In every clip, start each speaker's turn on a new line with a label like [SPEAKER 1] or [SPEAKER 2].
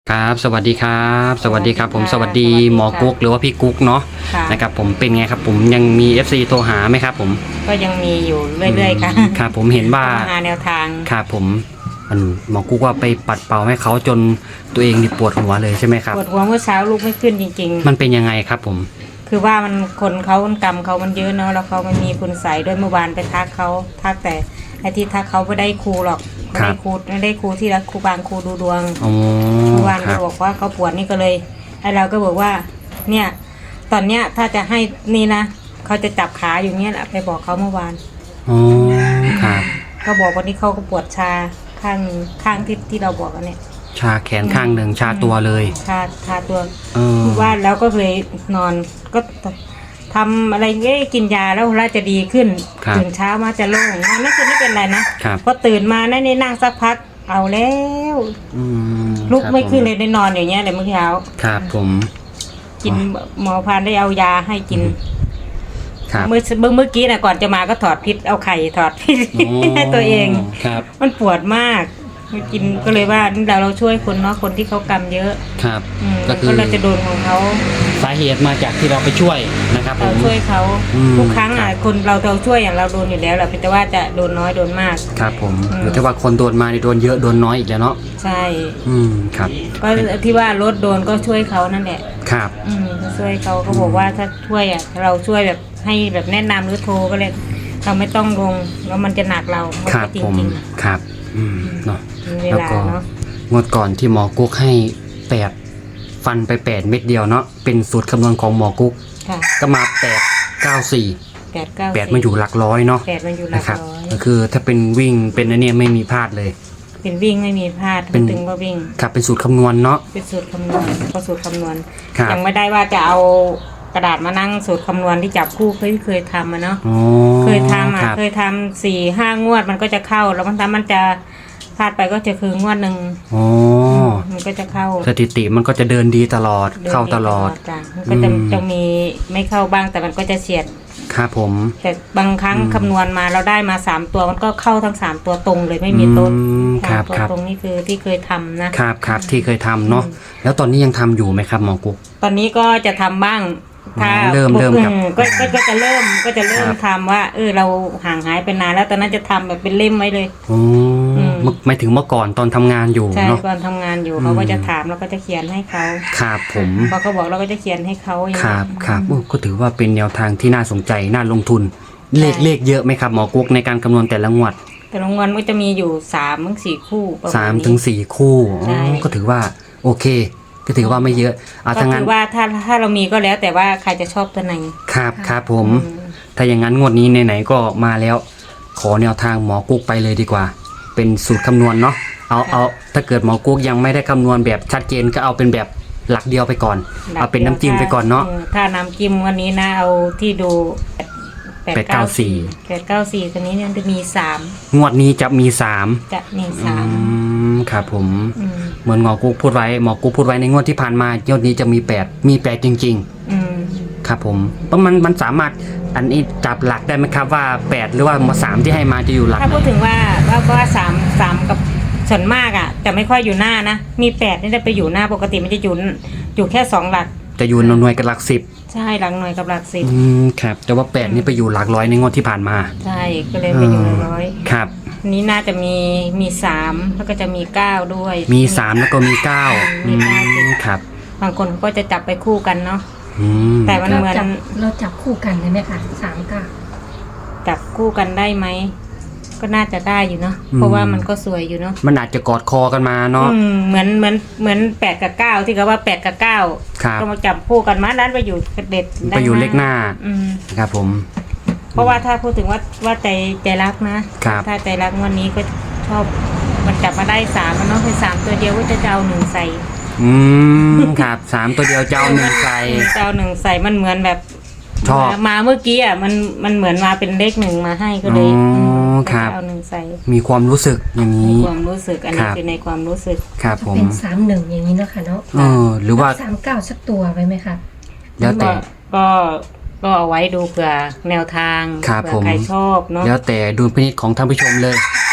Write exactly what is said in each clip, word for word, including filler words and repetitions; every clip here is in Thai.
[SPEAKER 1] ครับสวัสดีครับสวัสดีครับผมสวัสดีหมอกุ๊กหรือว่าพี่กุ๊กเนาะนะครับผมเป็นไงครับผมยังมี เอฟ ซี โทรหาไหมครับผม
[SPEAKER 2] ก็ยังมีอยู่เรื่อยๆค่ะ
[SPEAKER 1] ครับผมเห็นว่า
[SPEAKER 2] หาแนวทาง
[SPEAKER 1] ครับผมมันหมอกุ๊กว่าไปปัดเป่าให้เขาจนตัวเองนี่ปวดหัวเลยใช่ไหมครับ
[SPEAKER 2] ปวดหัวเมื่อเช้าลุกไม่ขึ้นจริง
[SPEAKER 1] ๆมันเป็นยังไงครับผม
[SPEAKER 2] คือว่ามันคนเขากรรมเขามันเยอะเนาะแล้วเขามันมีคุณใส่ด้วยเมื่อวานไปทักเขาทักแต่ไอ้ที่ทักเขาไม่ได้ครูหรอกไม่ได้ครูไม่ได้ครูที่รักครูบางครูดูดวงเมื่อวานเขาบอกว่าเขาปวดนี่ก็เลยไอ้เราก็บอกว่าเนี่ยตอนเนี้ยถ้าจะให้นี่นะเขาจะจับขาอยู่เงี้ยแหละไปบอกเขาเมื่อวาน
[SPEAKER 1] อ๋อครับ
[SPEAKER 2] เขาบอกวันนี้เขาก็ปวดชาข้างข้างที่ที่เราบอกกันเนี่ย
[SPEAKER 1] ชาแขนข้างหนึ่งชาตัวเลย
[SPEAKER 2] ชาชาตัวว่าแล้วก็เลยนอนก็ทำอะไรเงี้ยกินยาแล้วเราจะดีขึ้นตื่นเช้ามาจะโล่งนอนไม่คืนไม่เป็นไรนะพอตื่นมาในในนั่งสักพักเอาแล้วลุกไม่ขึ้นเลยได้นอนอย่างเงี้ยเลยเมื่อเช้า
[SPEAKER 1] ครับผม
[SPEAKER 2] กินหมอพานได้เอายาให้กินเมื่อเมื่อกี้นะก่อนจะมาก็ถอดพิษเอาไข่ถอดพิษให้ตัวเองมันปวดมากกินก็เลยว่าเราเราช่วยคนเนาะคนที่เขากรรมเยอะ
[SPEAKER 1] ครับ
[SPEAKER 2] ก็คือเราจะโดนของเขา
[SPEAKER 1] สาเหตุมาจากที่เราไปช่วยนะครับ
[SPEAKER 2] เราช่วยเขาทุกครั้งอ่ะคนเราเราช่วยอย่างเราโดนอยู่แล้วแหละแต่ว่าจะโดนน้อยโดนมาก
[SPEAKER 1] ครับผมหรือถ้าว่าคนโดนมาโดนเยอะโดนน้อยอีกแล้วเนาะ
[SPEAKER 2] ใช่
[SPEAKER 1] อืมครับ
[SPEAKER 2] ก็ที่ว่ารถโดนก็ช่วยเขานั่นแหละ
[SPEAKER 1] ครับ
[SPEAKER 2] อืมช่วยเขาเขาบอกว่าถ้าช่วยอ่ะเราช่วยแบบให้แบบแนะนำหรือโทรก็เลยเราไม่ต้องลงแล้วมันจะหนักเรา
[SPEAKER 1] ครับผมครับอืมเนาะแล้วก็งวดก่อนที่หมอกุ๊กให้แปดฟันไปแปดเม็ดเดียวเนาะเป็นสูตรคำนวณของหมอกุ๊กก็มาแปดเก้าสี่
[SPEAKER 2] แปดเก้า
[SPEAKER 1] แปดมันอยู่หลักร้อยเนาะ
[SPEAKER 2] แปดมันอยู่หลักร้อย
[SPEAKER 1] ก็คือถ้าเป็นวิ่งเป็นอันนี้ไม่มีพลาดเลย
[SPEAKER 2] เป็นวิ่งไม่มีพลาดเป็นถึงว่าวิ่ง
[SPEAKER 1] ครับเป็นสูตรคำนวณเนาะ
[SPEAKER 2] เป็นสูตรคำนวณก็สูตรคำนวณยังไม่ได้ว่าจะเอากระดาษมานั่งสูตรคำนวณที่จับคู่เคยเคยทำมาเนาะเคยทำอ่ะเคยทำสี่ห้างวดมันก็จะเข้าแล้วมันทำมันจะพลาดไปก็จะคืองวดหนึ่ง
[SPEAKER 1] อ๋อ
[SPEAKER 2] มันก็จะเข้า
[SPEAKER 1] สถิติมันก็จะเดินดีตลอดเข้าตลอด
[SPEAKER 2] จ้ะมันก็จะจะมีไม่เข้าบ้างแต่มันก็จะเฉียด
[SPEAKER 1] ครับผม
[SPEAKER 2] แต่บางครั้งคำนวณมาเราได้มาสามตัวมันก็เข้าทั้งสามตัวตรงเลยไม่มีต้น
[SPEAKER 1] ครับครับ
[SPEAKER 2] ตรงนี้คือที่เคยทำ
[SPEAKER 1] นะครับครับที่เคยทำเนาะแล้วตอนนี้ยังทำอยู่ไหมครับหมอกุ๊ก
[SPEAKER 2] ตอนนี้ก็จะทำบ้างถ้า
[SPEAKER 1] เริ่มเริ่มกับ
[SPEAKER 2] ก็ก็จะเริ่มก็จะเริ่มทำว่าเออเราห่างหายไปนานแล้วตอนนั้นจะทำแบบเป็นเล่มไว้เลย
[SPEAKER 1] อ๋อไม่ถึงเมื่อก่อนตอนทำงานอยู่
[SPEAKER 2] ใช่
[SPEAKER 1] เนาะ
[SPEAKER 2] ตอนทำงานอยู่เขาก็จะถามแล้วก็จะเขียนให้เขา
[SPEAKER 1] ครับผม
[SPEAKER 2] พอเขาบอกเราก็จะเขียนให้เขา
[SPEAKER 1] ครับครับก็ถือว่าเป็นแนวทางที่น่าสนใจน่าลงทุนเลขเลขเยอะไหมครับหมอกุ๊กในการคำนวณแต่ละงวด
[SPEAKER 2] แต่ละงวดก็จะมีอยู่สามถึงสี่คู่
[SPEAKER 1] สามถึงสี่คู่ก็ถือว่าโอเคก็ถือว่าไม่เยอะ
[SPEAKER 2] ก็ถือว่าถ้าถ้าเรามีก็แล้วแต่ว่าใครจะชอบตัวไหน
[SPEAKER 1] ครับครับผมถ้าอย่างนั้นงวดนี้ไหนๆก็มาแล้วขอแนวทางหมอกุ๊กไปเลยดีกว่าเป็นสูตรคำนวณเนาะเอาเอาถ้าเกิดหมอกุ๊กยังไม่ได้คำนวณแบบชัดเจนก็เอาเป็นแบบหลักเดียวไปก่อนเอาเป็นน้ำจิ้มไปก่อนเนาะ
[SPEAKER 2] ถ้าน้ำจิ้มวันนี้นะเอาที่ดู
[SPEAKER 1] แปดเก้าสี่
[SPEAKER 2] แปดเก้าสี่ตัวนี้เนี่ยจะมีสาม
[SPEAKER 1] งวดนี้จะมีสาม
[SPEAKER 2] จะมีสาม
[SPEAKER 1] ครับผมเหมือนหมอกุ๊กพูดไว้หมอกุ๊กพูดไว้ในงวดที่ผ่านมางวดนี้จะมีแปดมีแปดจริงๆครับผมเพราะมันมันสามารถอันนี้จับหลักได้ไหมครับว่าแปดหรือว่าสามที่ให้มาจะอยู่หลัก
[SPEAKER 2] ถ้าพูดถึงว่าว่าก็ว่าสามสามกับส่วนมากอ่ะจะไม่ค่อยอยู่หน้านะมีแปดนี่จะไปอยู่หน้าปกติมันจะอยู่อยู่แค่สองหลัก
[SPEAKER 1] จะอยู่หน่วยกับหลักสิบ
[SPEAKER 2] ใช่หลักหน่วยกับหลักสิบ
[SPEAKER 1] อืมครับแต่ว่าแปดนี่ไปอยู่หลักร้อยในงวดที่ผ่านมา
[SPEAKER 2] ใช่ก็เลยไปอยู่หลักร้อย
[SPEAKER 1] ครับ
[SPEAKER 2] นี้น่าจะมีมีสามแล้วก็จะมีเก้าด้วย
[SPEAKER 1] มีสามแล้วก็มีเก้า
[SPEAKER 2] มีเก้า
[SPEAKER 1] ครับ
[SPEAKER 2] บางคนก็จะจับไปคู่กันเนาะแต่มันเหมือน
[SPEAKER 3] เราจับคู่กันได้ไหมคะสามเก้า
[SPEAKER 2] จับคู่กันได้ไหมก็น่าจะได้อยู่เนาะเพราะว่ามันก็สวยอยู่เนาะ
[SPEAKER 1] มันอาจจะกอดคอกันมาเนาะ
[SPEAKER 2] เหมือนเหมือนเหมือนแปดกับเก้าที่เขาว่าแปดกับเก้าก็มาจับคู่กันมาด้านไปอยู่เด็ด
[SPEAKER 1] ไปอยู่เลขหน้าครับผม
[SPEAKER 2] เพราะว่าถ้าพูดถึงว่าว่าใจใจรักนะถ้าใจรักวันนี้ก็ชอบมันจับมาได้สามมันเนาะเป็นสามตัวเดียวก็จะเจ้าหนึ่งใส่
[SPEAKER 1] อืมครับสามตัวเดียวเจ้าหนึ่งใส่
[SPEAKER 2] เจ้าหนึ่งใส่มันเหมือนแบบชอบมาเมื่อกี้อ่ะมันมันเหมือนมาเป็นเลขหนึ่งมาให้ก็เลยเอาหนึ่งใส่
[SPEAKER 1] มีความรู้สึกอย่างนี้
[SPEAKER 2] ความรู้สึกอันนี้คือในความรู้สึก
[SPEAKER 1] ครับผม
[SPEAKER 3] เป็นสามหนึ่งอย่างนี้เนาะค่ะเนาะ
[SPEAKER 1] เออหรือว่า
[SPEAKER 3] สามเก้าสักตัวไว้ไหมคะ
[SPEAKER 1] แล้วแต่
[SPEAKER 2] ก็ก็เอาไว้ดูเผื่อแนวทาง
[SPEAKER 1] เผื่อ
[SPEAKER 2] ใครชอบเนาะ
[SPEAKER 1] แล้วแต่ดูพินิจของท่านผู้ชมเลย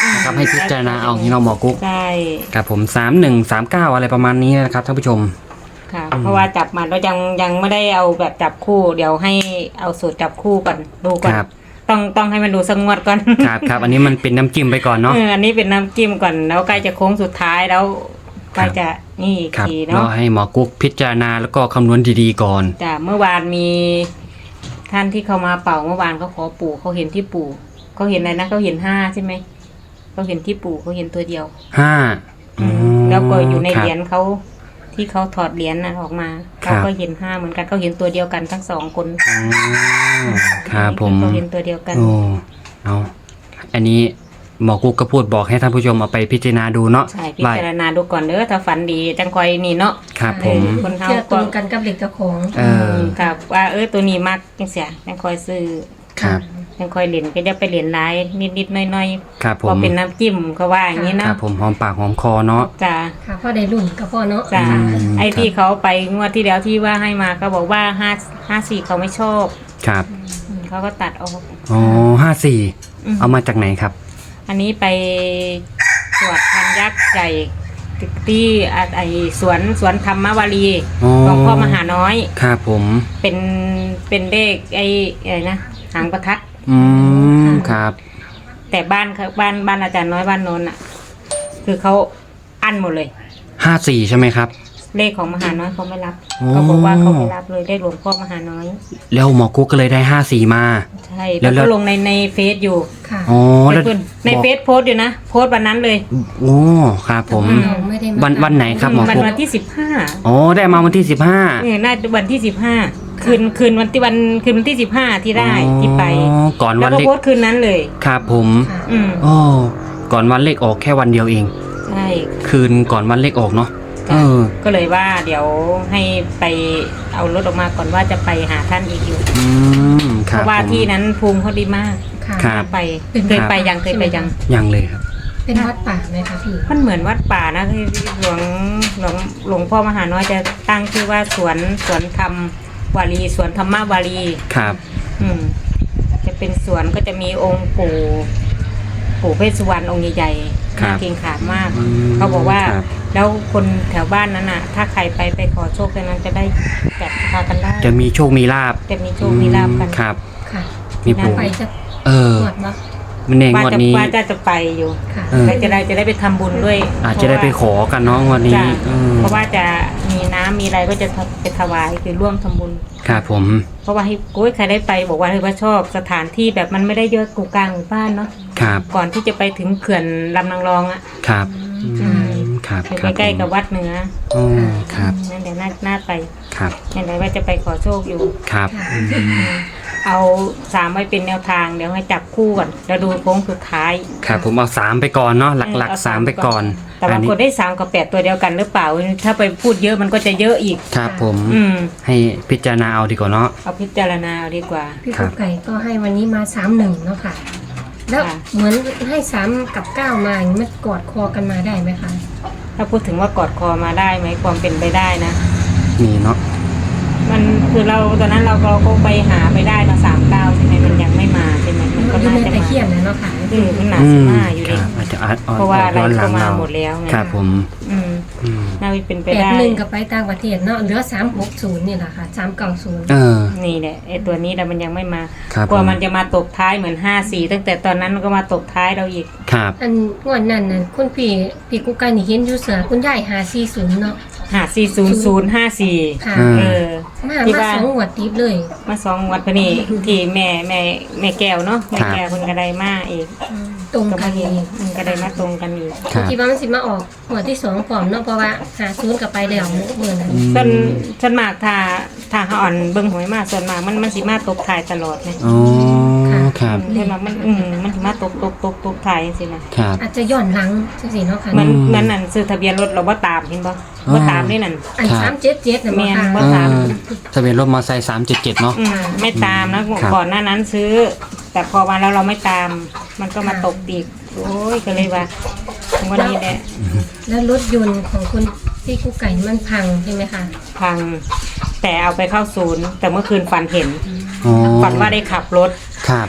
[SPEAKER 1] นะครับให้พิจารณาเอาอย่างนี้เนาะหมอกุ๊ก
[SPEAKER 2] ใช่
[SPEAKER 1] ครับผมสามหนึ่งสามเก้าอะไรประมาณนี้นะครับท่านผู้ชม
[SPEAKER 2] ค่ะ
[SPEAKER 1] อืม
[SPEAKER 2] เพราะว่าจับมาเรายังยังไม่ได้เอาแบบจับคู่ เดี๋ยวให้เอาสูตรจับคู่ก่อนดูก่อน
[SPEAKER 1] ครับ
[SPEAKER 2] ต้องต้องให้มันดูสักงวดก่อน
[SPEAKER 1] ครับครับอันนี้มันเป็นน้ำจิ้มไปก่อนเนาะ
[SPEAKER 2] เอออันนี้เป็นน้ำจิ้มก่อนแล้วใกล้จะโค้งสุดท้ายแล้วใกล้จะนี่อีก
[SPEAKER 1] ครับ
[SPEAKER 2] ที
[SPEAKER 1] รอ
[SPEAKER 2] เนาะ
[SPEAKER 1] ให้หมอกุ๊กพิจารณาแล้วก็คำนวณดีๆก่อน
[SPEAKER 2] จ้ะเมื่อวานมีท่านที่เขามาเป่าเมื่อวานเขาขอปู่เขาเห็นที่ปู่เขาเห็นอะไรนะเขาเห็นห้าใช่ไหมเขาเห็นที่ปู่เขาเห็นตัวเดียว
[SPEAKER 1] ห้า
[SPEAKER 2] อืมแล้วก็อยู่ใน
[SPEAKER 1] คบ
[SPEAKER 2] เหรียญเขาที่เขาถอดเหรียญนะออกมา
[SPEAKER 1] ครั
[SPEAKER 2] เขา
[SPEAKER 1] บ
[SPEAKER 2] ก็เห็นห้าเหมือนกันเขาเห็นตัวเดียวกันทั้งสองคน
[SPEAKER 1] อ๋อครับผม
[SPEAKER 2] เขาเห็นตัวเดียวกัน
[SPEAKER 1] โอ้เอาอันนี้หมอกุ๊กก็พูดบอกให้ท่านผู้ชมเอาไปพิจารณาดูเนาะ
[SPEAKER 2] ใช่พิจารณาดูก่อนเด้อถ้าฝันดีจังคอยนี่เนาะ
[SPEAKER 1] ครับผม
[SPEAKER 2] คนเฮา
[SPEAKER 3] เชื่อตรงกันกับเด็กเจ้าของ
[SPEAKER 1] เออ
[SPEAKER 2] ครับว่าเออตัวนี้มักจังเสียจังคอยซื้อ
[SPEAKER 1] ครับ
[SPEAKER 2] จังคอยเหรียญก็จะไปเหรียญร้ายนิดๆหน้อย
[SPEAKER 1] ครับ
[SPEAKER 2] ๆ
[SPEAKER 1] ผ
[SPEAKER 2] พอ
[SPEAKER 1] ม
[SPEAKER 2] เป็นน้ำจิ้มเขาว่าอย่างนี้
[SPEAKER 1] ค
[SPEAKER 2] เนาะ
[SPEAKER 1] รับผมหอมปากหอมคอเนาะ
[SPEAKER 2] จ้า
[SPEAKER 3] ค่ะพ่อได้รุ่นกับพ่อเนาะ
[SPEAKER 2] จ้า
[SPEAKER 1] อืม
[SPEAKER 2] ไอ้
[SPEAKER 1] ครับ
[SPEAKER 2] ที่เขาไปงวดที่แล้วที่ว่าให้มาเขาบอกว่าห้าห้าสี่เขาไม่ชอบ
[SPEAKER 1] ครับ
[SPEAKER 2] อืมเขาก็ตัดออก
[SPEAKER 1] อ๋อห้าสี่
[SPEAKER 2] อืม
[SPEAKER 1] เอามาจากไหนครับ
[SPEAKER 2] อันนี้ไปสวดพันยักษ์ใหญ่ที่อ่ะไอสวนสวนธรรมวารี
[SPEAKER 1] อ๋อ
[SPEAKER 2] หลวงพ่อมหาน้อย
[SPEAKER 1] ครับผม
[SPEAKER 2] เป็นเป็นเลขไออะไรนะหางประทัด
[SPEAKER 1] อืมครับ
[SPEAKER 2] แต่บ้านเขาบ้านบ้านอาจารย์น้อยบ้านโนนอ่ะ คือเขาอั้นหมดเลย
[SPEAKER 1] ห้าสี่ใช่ไหมครับ
[SPEAKER 2] เลขของมหาน้อยเขาไม่รับ
[SPEAKER 1] อ๋อ
[SPEAKER 2] เขาบอกว่าเขาไม่รับเลยเลขหลวงพ่อมหาน้อย
[SPEAKER 1] แล้วหมอกุ๊กก็เลยได้ห้าสี่มา
[SPEAKER 2] ใช่
[SPEAKER 1] แล้
[SPEAKER 2] แล้ว ว
[SPEAKER 1] แล้ว
[SPEAKER 2] ก็ลงในในเฟซอยู่
[SPEAKER 3] ค่ะ
[SPEAKER 1] อ๋อ
[SPEAKER 2] ใน
[SPEAKER 1] แล้ว
[SPEAKER 2] เพิ่นใน
[SPEAKER 1] บอก
[SPEAKER 2] เฟซโพสต์อยู่นะโพสต์วันนั้นเลย
[SPEAKER 1] โอ้ครับผม
[SPEAKER 3] แต่ว่าเราไม่ได้มา
[SPEAKER 1] วันวันไหนครับหมอ
[SPEAKER 2] วัน
[SPEAKER 1] กุ๊ก
[SPEAKER 2] วันที่สิบห้า
[SPEAKER 1] อ๋อได้มาวันที่สิบห้า
[SPEAKER 2] เออน่าจะวันที่สิบห้าคืนคืนวันที่วันคืนวันที่สิบห้าที่ได้ที่ไป
[SPEAKER 1] อ๋อก่อน
[SPEAKER 2] แล้
[SPEAKER 1] วั
[SPEAKER 2] วน ก็
[SPEAKER 1] เลข
[SPEAKER 2] โพสต์คืนนั้นเลย
[SPEAKER 1] ครับผม
[SPEAKER 3] ค่ะ
[SPEAKER 2] อืม
[SPEAKER 1] อ๋อก่อนวันเลขออกแค่วันเดียวเอง
[SPEAKER 2] ใช่
[SPEAKER 1] คืนก่อนวันเลขออกเนาะเอ
[SPEAKER 2] จ้ะ
[SPEAKER 1] อ
[SPEAKER 2] ก็เลยว่าเดี๋ยวให้ไปเอารถออกมาก่อนว่าจะไปหาท่านอีกอยู่
[SPEAKER 1] อืมค
[SPEAKER 2] เพ
[SPEAKER 1] รับ
[SPEAKER 2] ราะว่า
[SPEAKER 1] ผม
[SPEAKER 2] ที่นั้นภูมิเขาดีมาก
[SPEAKER 3] ค่ะ
[SPEAKER 1] ครับ
[SPEAKER 2] ไป
[SPEAKER 3] เป็น
[SPEAKER 2] เคยไปยังเคยไปยัง
[SPEAKER 1] ยังเลยครับ
[SPEAKER 3] เป็นวัดป่าไหมคะพี่
[SPEAKER 2] มันเหมือนวัดป่านะคือหลวงหลวงหลวงพ่อมหาน้อยจะตั้งชื่อว่าสวนสวนธรรมวารีสวนธรรมวารี
[SPEAKER 1] ครับ
[SPEAKER 2] อืม จะเป็นสวนก็จะมีองค์ปู่ปู่เพชรสุวรรณองค์ใหญ่ๆ
[SPEAKER 1] ครับ
[SPEAKER 2] น่าเกรงขามมาก
[SPEAKER 1] อืม
[SPEAKER 2] เขาบอกว่า
[SPEAKER 1] ครับ
[SPEAKER 2] แล้วคนแถวบ้านนั้นน่ะ ถ้าใครไปไปขอโชคตรงนั้นจะได้แบบพากันได้
[SPEAKER 1] จะมีโชคมีลาบ
[SPEAKER 2] จะมีโชคมีลาบกัน
[SPEAKER 1] ครับ
[SPEAKER 3] ค่ะ
[SPEAKER 1] มีปู่
[SPEAKER 3] ไปจะ
[SPEAKER 1] เออ
[SPEAKER 3] ตรวจเนาะ
[SPEAKER 1] มันเอง
[SPEAKER 2] ว่าง
[SPEAKER 1] วด
[SPEAKER 2] จะ
[SPEAKER 1] นี้
[SPEAKER 2] ว่าจะจะไปอยู่
[SPEAKER 3] ค่ะ
[SPEAKER 1] เออ
[SPEAKER 2] แล้วจะได้จะได้ไปทำบุญด้วย
[SPEAKER 1] อาจจะได้ไปขอกันเนาะงวันนี้
[SPEAKER 2] จ้ะ
[SPEAKER 1] เออ
[SPEAKER 2] เพราะว่าจะมีน้ำมีอะไรก็จะไปถวายคือร่วมทำบุญ
[SPEAKER 1] ครับผม
[SPEAKER 2] เพราะว่าให้โอ้ยใครได้ไปบอกว่าเฮ้ยว่าชอบสถานที่แบบมันไม่ได้เยอะกูกลางหมู่บ้านเนาะ
[SPEAKER 1] ครับ
[SPEAKER 2] ก่อนที่จะไปถึงเขื่อนลำนางรองอะ
[SPEAKER 1] ครับ
[SPEAKER 2] อืม
[SPEAKER 1] ครับ
[SPEAKER 2] อยู่
[SPEAKER 1] ครับ
[SPEAKER 2] ใกล้ๆกับวัดเหนือ
[SPEAKER 1] โอ้ครับ
[SPEAKER 2] นั่นเดี๋ยวน่าน่าไป
[SPEAKER 1] ครับ
[SPEAKER 2] นั่นเดี๋ยวว่าจะไปขอโชคอยู่
[SPEAKER 1] ครับ
[SPEAKER 3] ค่ะ
[SPEAKER 1] อืม
[SPEAKER 2] เอาสามไว้เป็นแนวทางเดี๋ยวให้จับคู่ก่อนแล้วดูโค้งสุดท้าย
[SPEAKER 1] ครับผมเอาสามไปก่อนเนาะหลัก
[SPEAKER 2] เออ
[SPEAKER 1] ๆ
[SPEAKER 2] เอา
[SPEAKER 1] สามไปก่อน
[SPEAKER 2] แต่บาง
[SPEAKER 1] นี้
[SPEAKER 2] คนได้สามกับแปดตัวเดียวกันหรือเปล่า ถ้าไปพูดเยอะมันก็จะเยอะอีก
[SPEAKER 1] ครับผม
[SPEAKER 2] อืม
[SPEAKER 1] ให้พิจารณาเอาดีกว่าเนาะ
[SPEAKER 2] เอาพิจารณาเอาดีกว่า
[SPEAKER 3] พี่
[SPEAKER 1] ครั
[SPEAKER 3] กุ๊
[SPEAKER 1] บ
[SPEAKER 3] กไก่ก็ให้วันนี้มาสามหนึ่งเนาะค่ะ แล้ว
[SPEAKER 2] ค่ะ
[SPEAKER 3] เหมือนให้สามกับเก้ามาอย่างนี้มันกอดคอกันมาได้ไหมคะ
[SPEAKER 2] ถ้าพูดถึงว่ากอดคอมาได้ไหมความเป็นไปได้นะ
[SPEAKER 1] มีเนาะ
[SPEAKER 2] มันคือเราตอนนั้นเราเราก็ไปหาไปได้มาสามเก้าใช่ไหมมันยังไม่มาใช่ไหมมันก็
[SPEAKER 3] อยู่
[SPEAKER 2] น่า
[SPEAKER 3] ใน
[SPEAKER 2] จะ
[SPEAKER 3] ตะ
[SPEAKER 2] มา
[SPEAKER 3] เคียนนะเนาะค่ะ
[SPEAKER 2] อืมมันหนา
[SPEAKER 1] อื
[SPEAKER 2] สิ
[SPEAKER 1] ม
[SPEAKER 2] มาอยู่
[SPEAKER 1] ค
[SPEAKER 2] ดิ
[SPEAKER 1] รับอาจจะอาจ
[SPEAKER 2] เพราะว่าอะไร
[SPEAKER 1] ย้อนหลั
[SPEAKER 2] ก็
[SPEAKER 1] ง
[SPEAKER 2] มา
[SPEAKER 1] เรา
[SPEAKER 2] หมดแล้วไง
[SPEAKER 1] ครับผม
[SPEAKER 2] อืม
[SPEAKER 1] อืม
[SPEAKER 2] น่าจะเป็นไป
[SPEAKER 3] แปด
[SPEAKER 2] ได้
[SPEAKER 3] หนึ่งกับไปต่างประเทศเนาะเหลือสามหกศูนย์นี่แหละค่ะสามเก้าศูนย์
[SPEAKER 1] เออ
[SPEAKER 2] นี่แหละไอ้ตัวนี้แต่มันยังไม่มา
[SPEAKER 1] ครับ
[SPEAKER 2] กลัว
[SPEAKER 1] ผม
[SPEAKER 2] มันจะมาตบท้ายเหมือนห้าสี่ตั้งแต่ตอนนั้นมันก็มาตบท้ายเราอีก
[SPEAKER 1] ครับ
[SPEAKER 3] อันงวดนั้นน่ะคุณพี่พี่กุ๊กไก่นี่เห็นอยู่เสือคุณยายหาสี่ศูนย์เนาะ
[SPEAKER 2] หาสี่ศูนย์ศูนย์ห้าสี่
[SPEAKER 3] ค่ะ
[SPEAKER 1] อืม
[SPEAKER 2] เออ
[SPEAKER 3] มา
[SPEAKER 2] ที่
[SPEAKER 3] มา
[SPEAKER 2] ว่า
[SPEAKER 3] สองงวดติดเลย
[SPEAKER 2] มาสองวัดพะนี่ที่แม่แม่แม่แก้วเนาะแม่แก้วคนกระไดมาเอง
[SPEAKER 3] ตรง
[SPEAKER 2] ก็
[SPEAKER 3] กั
[SPEAKER 2] มาน เห็น
[SPEAKER 3] อีก
[SPEAKER 2] มันกระไดมาตรงกันอีก
[SPEAKER 1] ครับ
[SPEAKER 3] คิดว่ามันสิมาออกงวดที่สองพร้อมเนาะเพราะว่าหาศูนย์กับไปแล้วเมื่อนั้น
[SPEAKER 2] ส่วนส่วนมากถ้าถ้าเขาอ่อนเบิ่งหวยมากส่วนมากมันมันสิมาตกถ่ายตลอดไง
[SPEAKER 1] อ๋อครับ
[SPEAKER 2] เห็นว่ามันอืมมันสิมาตกตกตกตกถ่ายจังซี่นะครับ
[SPEAKER 3] อาจจะย้อนหลังจังซี่เนาะค่ะ
[SPEAKER 2] มัน
[SPEAKER 1] อืม
[SPEAKER 2] มันนั่นซื้อทะเบียนรถเราบ่ตามเห็นบ่
[SPEAKER 1] อ๋อ
[SPEAKER 2] บ่ตามนี่นั่น
[SPEAKER 3] อัน
[SPEAKER 1] ครับ
[SPEAKER 3] สามเจ็ดเจ็ดน่ะ
[SPEAKER 2] แม่
[SPEAKER 3] บ่
[SPEAKER 2] น
[SPEAKER 3] ค่ะ
[SPEAKER 2] บ่
[SPEAKER 1] เออทะเบียนรถมอเตอร์ไซค์สามเจ็ดเจ็ดเนาะ
[SPEAKER 2] อืมไม่ตามนะครับ ก่อนหน้านั้นซื้อ แต่พอมาแล้วเราไม่ตาม มันก็มาตกตีกโอ้ยก็เลยว่าวันนี้แหละ
[SPEAKER 3] แล้วรถยนต์ของคุณพี่กุ๊กไก่มันพังใช่ไหมคะ
[SPEAKER 2] พัง แต่เอาไปเข้าศูนย์ แต่เมื่อคืนฝันเห็น
[SPEAKER 1] อ๋อ
[SPEAKER 2] ฝันว่าได้ขับรถ
[SPEAKER 1] ครับ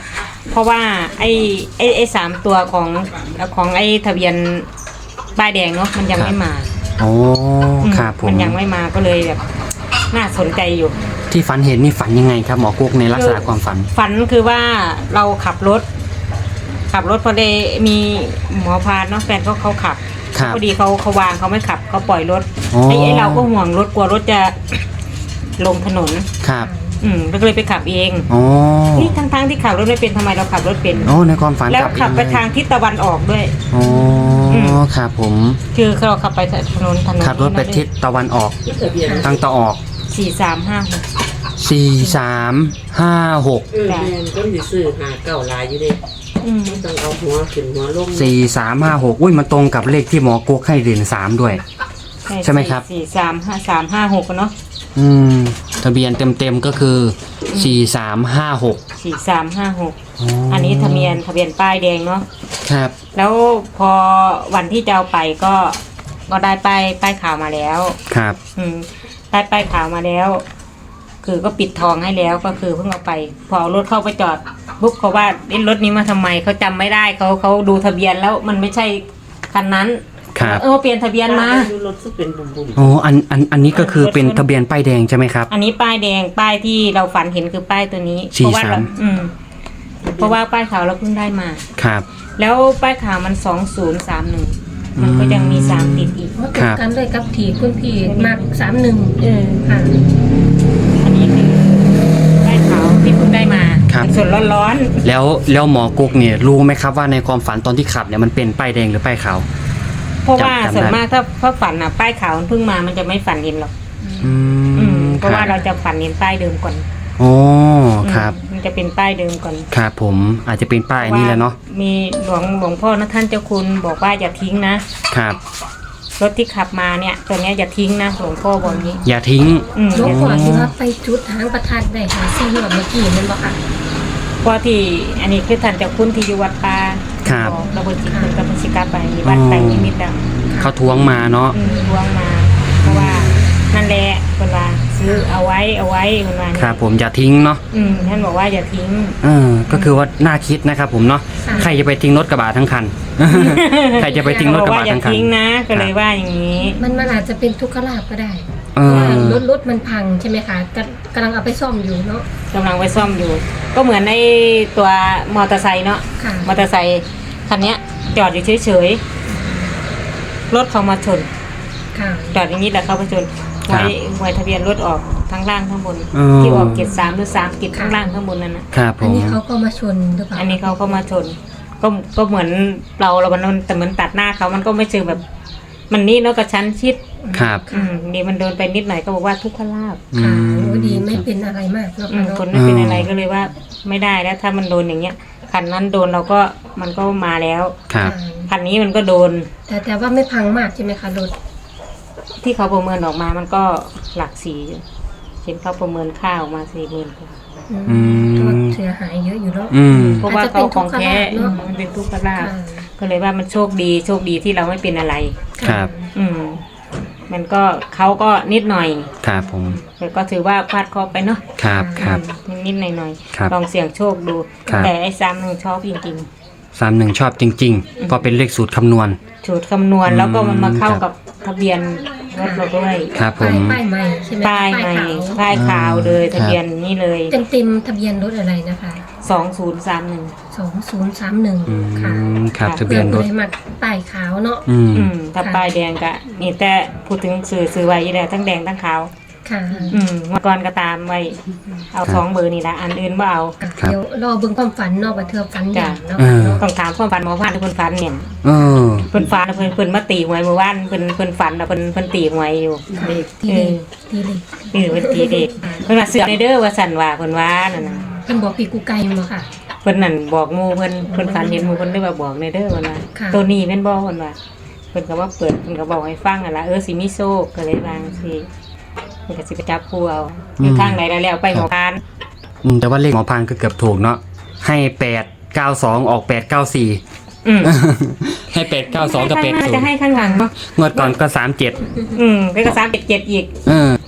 [SPEAKER 2] เพราะว่าไอ้ไอ้ไอ้สามตัวของของไอ้ทะเบียนป้ายแดงเนาะมันยังไม่มา
[SPEAKER 1] โอ้
[SPEAKER 2] อืม
[SPEAKER 1] ครับผม
[SPEAKER 2] มันยังไม่มาก็เลยแบบน่าสนใจอยู่
[SPEAKER 1] ที่ฝันเห็นนี่ฝันยังไงครับหมอกุ๊กในลักษณะความฝัน
[SPEAKER 2] ฝันคือว่าเราขับรถ ขับรถพอดีมีหมอพาเนาะแฟนเขาเขาขับ
[SPEAKER 1] ครับ
[SPEAKER 2] พอดีเขาเขาวางเขาไม่ขับเขาปล่อยรถ
[SPEAKER 1] อ๋อ
[SPEAKER 2] ไอ้ไอ้เราก็ห่วงรถกลัวรถจะ ลงถนน
[SPEAKER 1] ครับ
[SPEAKER 2] อืมเราก็เลยไปขับเอง
[SPEAKER 1] โอ้
[SPEAKER 2] นี่ทั้งทั้งๆที่ขับรถไม่เป็นทำไมเราขับรถเป็น
[SPEAKER 1] โอ้ในความฝัน
[SPEAKER 2] แล้ว
[SPEAKER 1] กลับ
[SPEAKER 2] ขับไป
[SPEAKER 1] เองเลย
[SPEAKER 2] ทางทิศตะวันออกด้วย
[SPEAKER 1] โอ้
[SPEAKER 2] อืม
[SPEAKER 1] ครับผม
[SPEAKER 2] คือเราขับไปถนนถนน
[SPEAKER 1] ขับรถไปทิศตะวันออกทางตะออก
[SPEAKER 2] สี่สามห้าหก
[SPEAKER 1] สี่สามห้าหก
[SPEAKER 4] เออแม่นก็สิซื้อหาเก่าหลายอยู่เด้
[SPEAKER 2] อืม
[SPEAKER 4] ต้องเอาหัวขึ้นหัวลง
[SPEAKER 1] สี่สามห้าหกอุ้ยมันตรงกับเลขที่หมอกุ๊กให้เด่นสามด้วย ใช่ไหมครับ
[SPEAKER 2] สี่สามห้าสามห้าหกเนาะ
[SPEAKER 1] อืมทะเบียนเต็มๆก็คือสี่สามห้าหก
[SPEAKER 2] สี่สามห้าหกอันนี้ทะเบียนทะเบียนป้ายแดงเนาะ
[SPEAKER 1] ครับ
[SPEAKER 2] แล้วพอวันที่จะเอาไปก็ก็ได้ป้ายป้ายข่าวมาแล้ว
[SPEAKER 1] ครับ
[SPEAKER 2] อืมได้ป้ายข่าวมาแล้ว คือก็ปิดทองให้แล้วก็คือเพิ่งเอาไป พอเอารถเข้าไปจอดปุ๊บเขาว่าเอ๊ะรถนี้มาทำไมเขาจำไม่ได้เขาเขาดูทะเบียนแล้วมันไม่ใช่คันนั้น
[SPEAKER 1] ครับ
[SPEAKER 2] เออเปลี่ยนทะเบียนมา
[SPEAKER 4] ดูรถซึ่งเป็นบุ่ม
[SPEAKER 1] โอ้อันอันอันนี้ก็คือเป็นทะเบียนป้ายแดงใช่ไหมครับ
[SPEAKER 2] อันนี้ป้ายแดงป้ายที่เราฝันเห็นคือป้ายตัวนี้
[SPEAKER 1] สี่
[SPEAKER 2] เพราะว่าเรา
[SPEAKER 1] สาม
[SPEAKER 2] อืมเพราะว่าป้ายขาวเราเพิ่งได้มา
[SPEAKER 1] ครับ
[SPEAKER 2] แล้วป้ายขาวมันสองศูนย์สามหนึ่งมันก็ยังมีสามติดอีก
[SPEAKER 3] มาตรงกันเลยกับที่คุณพี่มักสามหนึ่ง
[SPEAKER 2] เออ
[SPEAKER 3] ค่ะ
[SPEAKER 2] อันนี้คือป้ายขาวที่เพิ่งได้มา
[SPEAKER 1] ครับ
[SPEAKER 2] สดๆร้อน
[SPEAKER 1] แล้วแล้วหมอกุ๊กเนี่ยรู้ไหมครับว่าในความฝันตอนที่ขับเนี่ยมันเป็นป้ายแดงหรือป้ายขาว
[SPEAKER 2] ๆเพราะว่า
[SPEAKER 1] จำจำได้
[SPEAKER 2] ส่วนมากถ้าถ้าฝันอ่ะป้ายขาวมันเพิ่งมามันจะไม่ฝันเห็นหรอก
[SPEAKER 1] อื
[SPEAKER 2] อืม
[SPEAKER 1] ม
[SPEAKER 2] เพราะว่า
[SPEAKER 1] ค
[SPEAKER 2] เรา
[SPEAKER 1] บ
[SPEAKER 2] จะฝันเห็นป้ายเดิมก่อน
[SPEAKER 1] โอ้
[SPEAKER 2] อืม
[SPEAKER 1] ครับ
[SPEAKER 2] มันจะเป็นป้ายเดิมก่อน
[SPEAKER 1] ครับผมอาจจะเป็นป้ายอันนี้แหละเนาะ
[SPEAKER 2] มีหลวงหลวงพ่อนะท่านเจ้าคุณบอกว่าอย่าทิ้งนะครับ รถที่ขับมาเนี่ยตัวเนี้ยอย่าทิ้งนะหลวงพ่อบอกอย่างนี้
[SPEAKER 1] อย่าทิ้ง
[SPEAKER 2] อืม
[SPEAKER 3] หลวงพ่อที่ว่าไปจุดหางประทัดได้หาซี่หวดเมื่อกี้นั่นบ่ค่ะ
[SPEAKER 2] เพราะที่อันนี้คือท่านเจ้าคุณที่อยู่วัดป่า
[SPEAKER 1] ครับ
[SPEAKER 2] บอกระเบิดจิตคุณกับพิชิกาไปมีวัดแต่งนิมิตอ่ะ
[SPEAKER 1] เขาทวงมาเนาะ
[SPEAKER 2] อืมทวงมา เพราะว่านั่นแหละคนว่าซื้อเอาไว้เอาไว้คนว่า
[SPEAKER 1] ครับผมอย่าทิ้งเนาะ
[SPEAKER 2] อืมท่านบอกว่าอย่าทิ้ง
[SPEAKER 1] เออก็คือว่าน่าคิดนะครับผมเนาะ
[SPEAKER 3] ค่ะ
[SPEAKER 1] ใครจะไปทิ้งรถกระบะทั้งคัน ใครจะไปทิ้งรถ
[SPEAKER 2] บอก
[SPEAKER 1] กระ
[SPEAKER 2] ว่า
[SPEAKER 1] บะ
[SPEAKER 2] อย่า
[SPEAKER 1] ทั้งคัน
[SPEAKER 2] ทิ้งนะ ก็เลยว่าอย่างนี้
[SPEAKER 3] มันมันอาจจะเป็นทุกขลาภก็ได้
[SPEAKER 1] เอ
[SPEAKER 3] เพราะว่า
[SPEAKER 1] อ
[SPEAKER 3] รถรถมันพังใช่ไหมคะกำกำลังเอาไปซ่อมอยู่เนาะ
[SPEAKER 2] กำลังไปซ่อมอยู่ ก็เหมือนในตัวมอเตอร์ไซค์เนาะ
[SPEAKER 3] ค่ะ
[SPEAKER 2] มอเตอร์ไซค์คันเนี้ย จอดอยู่เฉยๆรถเขามาชน
[SPEAKER 3] ค่ะ
[SPEAKER 2] จอดอย่างนี้แหละเขาไปชน
[SPEAKER 1] ครั
[SPEAKER 2] ไว้
[SPEAKER 1] บ
[SPEAKER 2] ไว้ทะเบียนรถออกทั้งล่างทั้งบน
[SPEAKER 1] อืม
[SPEAKER 2] ที่ออกเกียรสามหรือสามเกียรข้างล่างข้างบนนั่นนะครับ
[SPEAKER 1] ผ
[SPEAKER 3] อัน
[SPEAKER 1] ม
[SPEAKER 3] นี้เขาก็มาชนหรือเปล่า
[SPEAKER 2] อันนี้เขาก็มาชน ก็ก็เหมือนเราเรามันแต่เหมือนตัดหน้าเขามันก็ไม่เชิงแบบ มันนี่เนาะกับชั้นชิด
[SPEAKER 1] ครับ
[SPEAKER 2] อืมนี่มันโดนไปนิดหน่อยก็บอกว่าทุกขลาภ
[SPEAKER 3] ค่ะ
[SPEAKER 1] อืม
[SPEAKER 3] โอ้ดีไม่เป็นอะไรมากเนาะ
[SPEAKER 2] อื
[SPEAKER 3] ค่ะ
[SPEAKER 2] ม
[SPEAKER 3] เนาะ
[SPEAKER 2] คนไม่เป็นอะไรก็เลยว่าไม่ได้แล้ว ถ้ามันโดนอย่างเงี้ยคันนั้นโดนเราก็มันก็มาแล้ว
[SPEAKER 1] ครับ
[SPEAKER 2] คันนี้มันก็โดน
[SPEAKER 3] แต่แต่ว่าไม่พังมากใช่ไหมคะรถ
[SPEAKER 2] ที่เขาประเมินออกมามันก็หลักสี่อยู่เห็นเขาประเมินค่าออกมาสี่หมื่นกว่า
[SPEAKER 3] อืม
[SPEAKER 1] อืม
[SPEAKER 3] ก็เสียหายเยอะอยู่เนาะ
[SPEAKER 1] อืม
[SPEAKER 2] เพราะว่าเขาของแท้
[SPEAKER 3] อาจจะเป็นทุกขลาภเนอะ
[SPEAKER 2] มันเป็นทุกขลาภ
[SPEAKER 3] ค่ะ
[SPEAKER 2] ก็เลยว่ามันโชคดีโชคดีที่เราไม่เป็นอะไร
[SPEAKER 1] ครับ
[SPEAKER 2] อืม มันก็เขาก็นิดหน่อย
[SPEAKER 1] ครับผม
[SPEAKER 2] แต่ก็ถือว่าพลาดเคอไปเนาะ
[SPEAKER 1] ครับครับ
[SPEAKER 2] อืมนิดๆหน่อย
[SPEAKER 1] ครับ
[SPEAKER 2] ๆลองเสี่ยงโชคดู
[SPEAKER 1] ครับ
[SPEAKER 2] แต่ไอ้ซ้ำหนึ่งชอบจริง
[SPEAKER 1] สามหนึ่งชอบจริงๆเพราะเป็นเลขสูตรคำนวณ
[SPEAKER 2] ๆสูตรคำนวณแล้วก็มันมาเข้า
[SPEAKER 1] ครับ
[SPEAKER 2] กับทะเบียนรถเราด้วย
[SPEAKER 1] ครับผ
[SPEAKER 3] ป้าย
[SPEAKER 1] ม
[SPEAKER 3] ป้ายใหม่ใช่ไหม
[SPEAKER 2] ป้ายใหม่
[SPEAKER 3] ขาว
[SPEAKER 2] ป้ายขาวเลย
[SPEAKER 1] ครับ
[SPEAKER 2] ทะเบียนนี่เลย
[SPEAKER 3] เต็มเต็มๆทะเบียนรถอะไรนะคะ
[SPEAKER 2] สองศูนย์สามหนึ่ง
[SPEAKER 3] สองศูนย์สามหนึ่ง
[SPEAKER 1] อื
[SPEAKER 3] ค่ะ
[SPEAKER 1] มครับ
[SPEAKER 2] ค่ะ
[SPEAKER 1] ทะเบียนรถ
[SPEAKER 3] เพื่อมัดป้ายขาวเนาะ
[SPEAKER 1] อืม
[SPEAKER 2] อืมถ้า
[SPEAKER 3] ค่ะ
[SPEAKER 2] ป้ายแดงก็นี่แต่พูดถึงสื่อสื่อไว้ยี่แหละทั้งแดงทั้งขาว
[SPEAKER 3] ค่ะ
[SPEAKER 2] อืมเมื่อก่อนก็ตามไว้ เอาสองเบอร์นี่ละอันอื่นว่าเอา
[SPEAKER 1] ครับ
[SPEAKER 3] เดี๋ยวรอเบิ่งความฝันเนาะว่าเธอฝันอย่างเนาะ
[SPEAKER 1] เออ
[SPEAKER 2] ต้องถามความฝันหมอพันธุ์เพิ่นฝันเนี่ย
[SPEAKER 1] เออ
[SPEAKER 2] เพิ่นฝันเพิ่นเพิ่นมาตีหวยเมื่อวานเพิ่นเพิ่นฝันแล้วเพิ่นเพิ่นตีหวยอยู่
[SPEAKER 3] ที
[SPEAKER 2] เอ
[SPEAKER 3] เด็
[SPEAKER 2] อก
[SPEAKER 3] ทีเด็ก
[SPEAKER 2] นี่เพิ่นตีเด็กเพิ่นว่าเสือกในเด้อว่าสั่นว่าเพิ่นว่านั่นน่ะ
[SPEAKER 3] เพิ่นบอกปีกูไก่มาค่ะ
[SPEAKER 2] เพิ่นนั่นบอกหมู่เพิ่นเพิ่นฝันเห็นหมู่เพิ่นได้ว่าบอกในเด้อเพิ่นว่า
[SPEAKER 3] ค่ะ
[SPEAKER 2] ตัวนี้แม่นบ่เพิ่นว่าเพิ่นก็ว่าเปิดเพิ่นก็บอกให้ฟังอ่ะล่ะเออสิมีโชคก็เลยวาจังซี่เพิ่นก็สิไปจับคู่เอาอยู่ทางไหนแล้วแล้วไปหมอพาน
[SPEAKER 1] อืมแต่ว่าเลขหมอพานก็เกือบถูกเนาะให้แปดเก้าสองออกแปดเก้าสี่
[SPEAKER 2] อืม
[SPEAKER 1] ให้แปดเก้าสองกับแปด
[SPEAKER 2] น่า
[SPEAKER 1] ศู
[SPEAKER 2] จะ
[SPEAKER 1] นย์
[SPEAKER 2] ให้ข้างหลังเนาะ
[SPEAKER 1] งวดก่อนก็สามเจ็ด
[SPEAKER 2] อืมแล้วก็สามเจ็ดเจ็ดอีก
[SPEAKER 1] เออ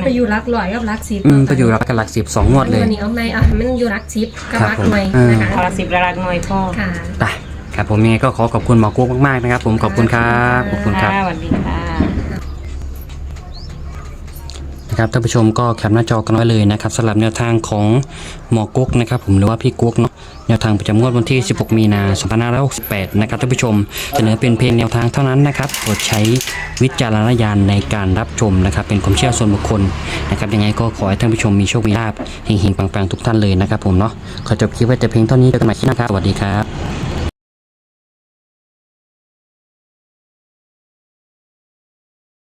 [SPEAKER 3] ไปอยู่รักลอยกับรักสิบ
[SPEAKER 1] อืมไปอยู่รักกับหลักสิบสองงวดเลย
[SPEAKER 3] วันนี้เอาไหมอ่ะมันอยู่รักสิบกับ
[SPEAKER 1] ครับ
[SPEAKER 3] รัก
[SPEAKER 1] ผม
[SPEAKER 3] หน่วย
[SPEAKER 1] อ่าน
[SPEAKER 3] นะคะ
[SPEAKER 2] เอาละสิบละลักหน่วยพ่อ
[SPEAKER 3] ค่ะ
[SPEAKER 1] ไปครับผมยังไงก็ขอขอบคุณหมอกุ๊กมากๆนะครับ ผมขอบคุณครับขอบคุณครับ
[SPEAKER 2] ค่ะสวัสดีค่ะ
[SPEAKER 1] นะครับท่านผู้ชมก็แคปหน้าจอกันไว้เลยนะครับสำหรับแนวทางของหมอกุ๊กนะครับผมหรือว่าพี่กุ๊กเนาะแนวทางประจำงวดวันที่สิบหกมีนาคมสองพันห้าร้อยหกสิบแปดนะครับท่านผู้ชมเสนอเป็นเพียงแนวทางเท่านั้นนะครับโปรดใช้วิจารณญาณในการรับชมนะครับเป็นความเชื่อส่วนบุคคลนะครับยังไงก็ขอให้ท่านผู้ชมมีโชคมีลาภเฮงๆปังๆทุกท่านเลยนะครับผมเนาะขอจบคลิปไว้แต่เพียงเท่านี้เจอกันใหม่คลิปหน้าครับสวัสดีครับ